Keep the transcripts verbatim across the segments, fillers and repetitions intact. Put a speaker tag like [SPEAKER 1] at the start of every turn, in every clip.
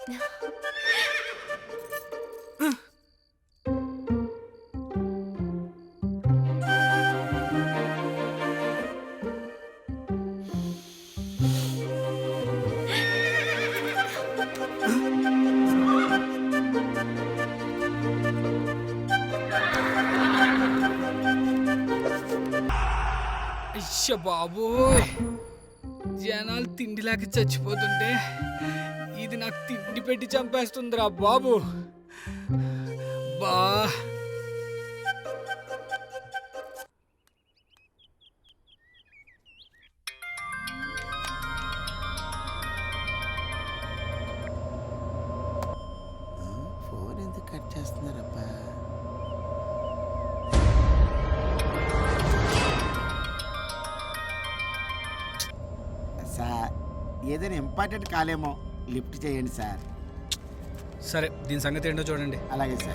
[SPEAKER 1] అయ్య బాబోయ్, జనాలు తిండిలాగా చచ్చిపోతుంటే ఇది నాకు తిండి పెట్టి చంపేస్తుందిరా బాబు. బా
[SPEAKER 2] ఫోన్ ఎందుకు కట్ చేస్తున్నారబ్బా? సార్, ఏదైనా ఇంపార్టెంట్ కాలేమో, లిఫ్ట్ చేయండి సార్.
[SPEAKER 1] సరే, దీని సంగతి ఏంటో చూడండి.
[SPEAKER 2] అలాగే సార్.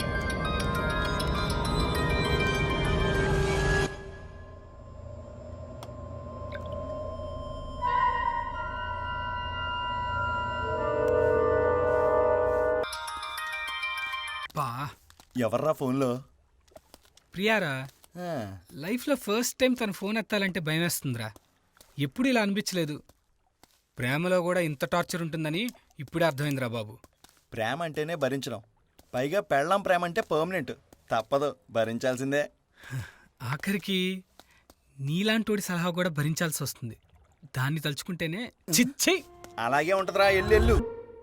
[SPEAKER 1] బా
[SPEAKER 3] ఎవర్రా ఫోన్లో?
[SPEAKER 1] ప్రియారా,
[SPEAKER 3] ఆ,
[SPEAKER 1] లైఫ్లో ఫస్ట్ టైం తన ఫోన్ ఎత్తాలంటే భయం వేస్తుందిరా. ఎప్పుడు ఇలా అనిపించలేదు. ప్రేమలో కూడా ఇంత టార్చర్ ఉంటుందని ఇప్పుడే అర్థమైందిరా బాబు.
[SPEAKER 3] ప్రేమ అంటేనే భరించడం, పైగా పెళ్ళం ప్రేమ అంటే పర్మనెంట్, తప్పదు, భరించాల్సిందే.
[SPEAKER 1] ఆఖరికి నీలాంటోడి సలహా కూడా భరించాల్సి వస్తుంది. దాన్ని తలుచుకుంటేనే చిచ్చే.
[SPEAKER 3] అలాగే ఉంటదిరా, ఎల్లెళ్ళు.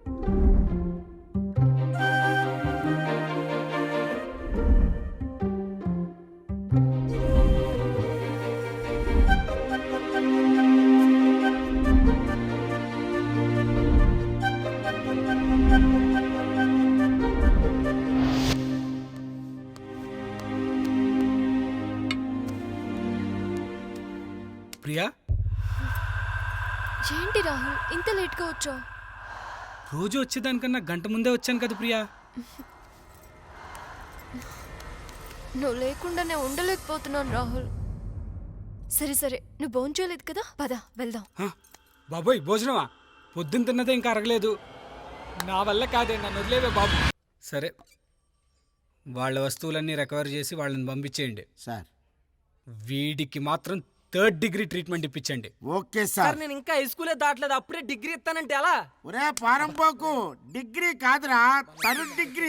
[SPEAKER 1] ప్రియా,
[SPEAKER 4] ఏంటి రాహుల్ ఇంత లేట్గా వచ్చావు?
[SPEAKER 1] రోజు వచ్చేదానికన్నా గంట ముందే వచ్చాను కదా ప్రియా.
[SPEAKER 4] నువ్వు లేకుండా నేను ఉండలేకపోతున్నాను రాహుల్. సరే సరే, నువ్వు భోంచేయలేదు కదా, పద వెళ్దాం.
[SPEAKER 1] హ, బాబోయ్ భోజనమా? పొద్దున్న తిన్నదే ఇంకా అరగలేదు. నా వల్ల కాదే, నన్ను వదిలేవే బాబు. సరే, వాళ్ళ వస్తువులన్నీ రికవర్ చేసి వాళ్ళని పంపించేయండి.
[SPEAKER 2] సార్,
[SPEAKER 1] వీడికి మాత్రం థర్డ్ డిగ్రీ ట్రీట్మెంట్ ఇప్పించండి.
[SPEAKER 2] Okay sir.
[SPEAKER 5] నేను ఇంకా హై స్కూలే దాటలేదు, అప్పుడే డిగ్రీ ఇస్తానంటే ఎలా?
[SPEAKER 2] ఒరే పారంపోకు, డిగ్రీ కాదురా, థర్డ్ డిగ్రీ.